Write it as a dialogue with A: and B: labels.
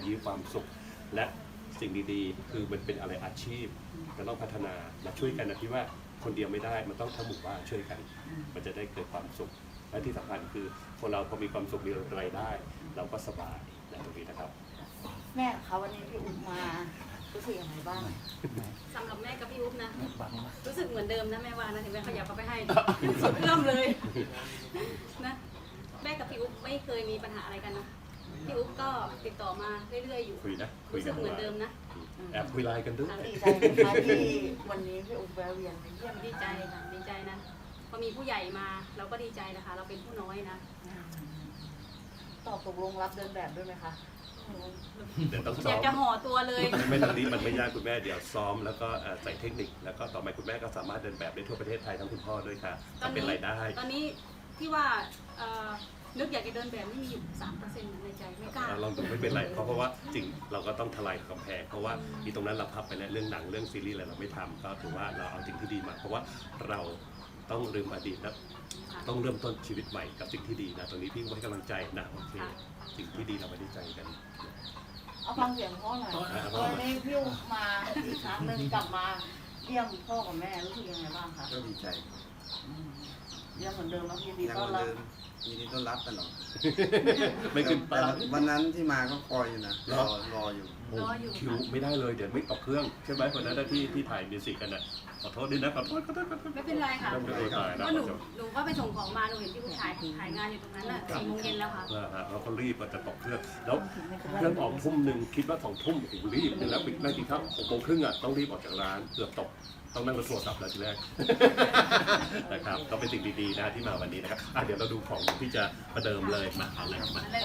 A: มีความสุขและสิ่งดีๆคือมันเป็นอะไรอาชีพก็ต้องพัฒนาและช่วยกันนะที่ว่าคนเดียวไม่ได้มันต้องทั้งหมู่บ้านช่วยกันมันจะได้เกิดความสุขและที่สำคัญคือคนเราพอมีความสุขมีรายได้ เราก็สบายในตรงนี้นะครับ
B: แม่คะวันนี้พี่อุ๊บมารู้สึกยังไงบ้าง
C: สำหรับแม่กับพี่อุ๊บนะรู้สึกเหมือนเดิมนะแม่ว่านะถึงแม่ขยับเข้าไปให้ยังสุดเอื้อมเลยนะแม่กับพี่อุ๊บไม่เคยมีปัญหาอะไรกันนะพี่อุ๊บก็ติดต่อมาเรื่อยๆอยู่
A: คุยนะคุย
C: รู้
A: กั
C: สึ
A: น
C: กเหมือนเดิมนะ
A: แอบคุยไลน์กันด้วย
B: ดีใจไหมคะที่วันนี้พี่อุ๊บแวะเวียนมาเยี่ยม
C: ดีใจค่ะดีใจนะพอมีผู้ใหญ่มาเราก็ดีใจนะคะ เราเป็นผู้น้อยนะ
B: ตอบตกลงรับเดินแบบด้วยไหมคะ
A: เดี๋ยวต้อง
C: อ
A: ซ้
C: ยา
A: อก ม
C: จะห่อตัวเลย
A: ไม่ตรงนี้มันไม่ยากคุณแม่เดี๋ยวซ้อมแล้วก็ใส่เทคนิคแล้วก็ต่อไปคุณแม่ก็สามารถเดินแบบได้ทั่วประเทศไทยทั้งคุณพ่อด้วยค่ะทำเป็นรายได้
C: ตอนนี้ที่ว่านึกอยากจะเดินแบบนี่มีอยู่ 3% ในใจไม่กล้า
A: ลองดูไม่เป็นไรเพราะว่าจริงเราก็ต้องทลายกำแพงเพราะว่าอีตรงนั้นเราพับไปแล้วเรื่องหนังเรื่องซีรีส์อะไรเราไม่ทำก็ถือว่าเราเอาสิ่งที่ดีมาเพราะว่าเราต้องลืมอดีตแล้วต้องเริ่มต้นชีวิตใหม่กับสิ่งที่ดีนะตรงนี้พี่ให้กำลังใจนะโอเคสิ่งที่ดีเราไม่ได้ใจกัน
B: เอาฟังเสียงพ่อหน่อยวันนี้พี่อุ๊บมาอีกครั้งหนึ่งกลับมาเยี่ยมพ่อกับแม่รู้สึกยังไงบ้างคะ
D: ก็ดีใจ
B: เยี่ยมเหมือนเดิมแล้วยินดี
D: ยัง
B: ต้
D: เห
B: อน
D: มือน
B: รับ
D: เดิมยินดีต้อนรับตลอด
A: ไม่ขึ้น
D: แต่
A: ตา
D: วันนั้นที่มาก็คอยอยู่นะรออยู่
C: รออยู่
A: คิวไม่ได้เลยเดี๋ยวไม่ตกเครื่องใช่ไหมคนนั้นที่ถ่ายมิวสิกกันน่ะขอโทษด้วยนะขอโทษ
C: ไม่เป็นไรค่ะ
A: ไม่เป็นไรครับ
C: เพราะหนูก็ไปส่งของมาหนูเห็นที่ผู้ชายถ่ายงานอยู่ตรงนั้นน่ะ4 โมงเย็นแล้วค่ะ
A: เราก็รีบมันจะตกเครื่องแล้วเครื่องออกทุ่มหนึ่งคิดว่า2 ทุ่มถึงรีบแล้วปิดนั่งกินข้าว6 โมงครึ่งอ่ะต้องรีบออกจากร้านเกือบตกต้องนั่งรถโทรศัพท์แล้วทีแรก นะครับก็เป็นสิ่งดีๆนะที่มาวันนี้นะครับเดี๋ยวเราดูของที่จะประเดิมเลยมาเอาเลยมา